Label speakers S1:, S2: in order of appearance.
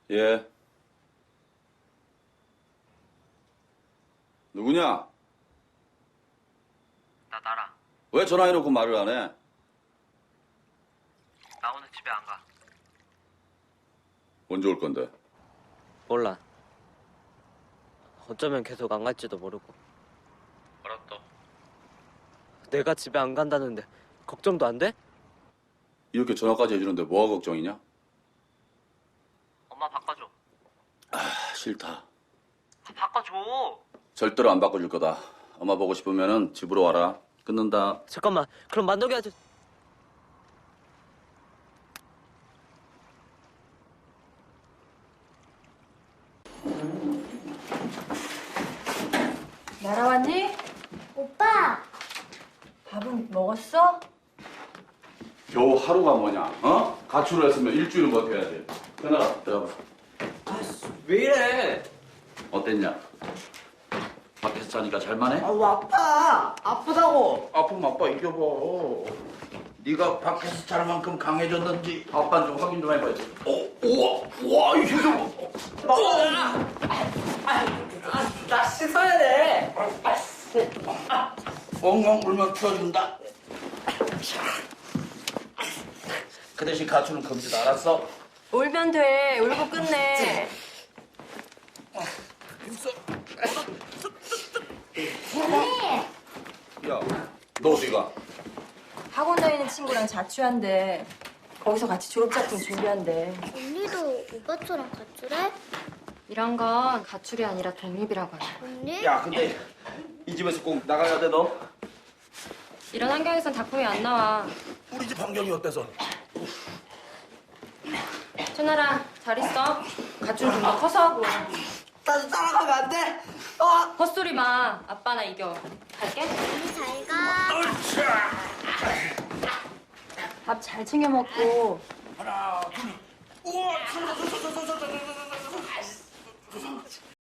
S1: 예. 누구냐?
S2: 나라.
S1: 왜 전화해놓고 말을 안 해?
S2: 나 오늘 집에 안 가.
S1: 언제 올 건데?
S2: 몰라. 어쩌면 계속 안 갈지도 모르고. 뭐라 또? 내가 집에 안 간다는데 걱정도 안 돼?
S1: 이렇게 전화까지 해주는데 뭐가 걱정이냐?
S2: 엄마 바꿔줘.
S1: 싫다.
S2: 바꿔줘.
S1: 절대로 안 바꿔줄 거다. 엄마 보고 싶으면은 집으로 와라. 끊는다.
S2: 잠깐만. 그럼 만덕이 아저
S3: 날아왔니?
S4: 오빠!
S3: 밥은 먹었어?
S1: 겨우 하루가 뭐냐? 어? 가출을 했으면 일주일은 버텨야지. 끊어라. 들어가.
S2: 왜 이래?
S1: 어땠냐? 밖에서 자니까 잘만해?
S5: 아우 아파 아프다고 아프면 아빠 이겨봐 네가 밖에서 잘 만큼 강해졌는지
S1: 아빠는 좀 확인 좀 해봐야지. 우와, 이 힘좀.
S5: 나 씻어야 돼 엉엉 울면 풀어준다 그 대신 가출은 금지다 알았어?
S3: 울면 돼. 울고 끝내.
S1: 야, 너 어디가?
S3: 학원 다니는 친구랑 자취한대. 거기서 같이 졸업작품 준비한대.
S4: 언니도 오빠처럼 가출해?
S6: 이런 건 가출이 아니라 독립이라고 해요.
S4: 언니?
S5: 야 근데 이 집에서 꼭 나가야 돼 너?
S6: 이런 환경에선 작품이 안 나와.
S5: 우리 집 환경이 어때서?
S6: 준아라, 잘 있어. 가출 좀 더 커서 하고.
S5: 나도 따라가면 안 돼?
S6: 헛소리 마. 아빠 나 이겨. 갈게.
S4: 언니 잘 가.
S3: 밥 잘 챙겨 먹고.
S5: 하나 둘 우와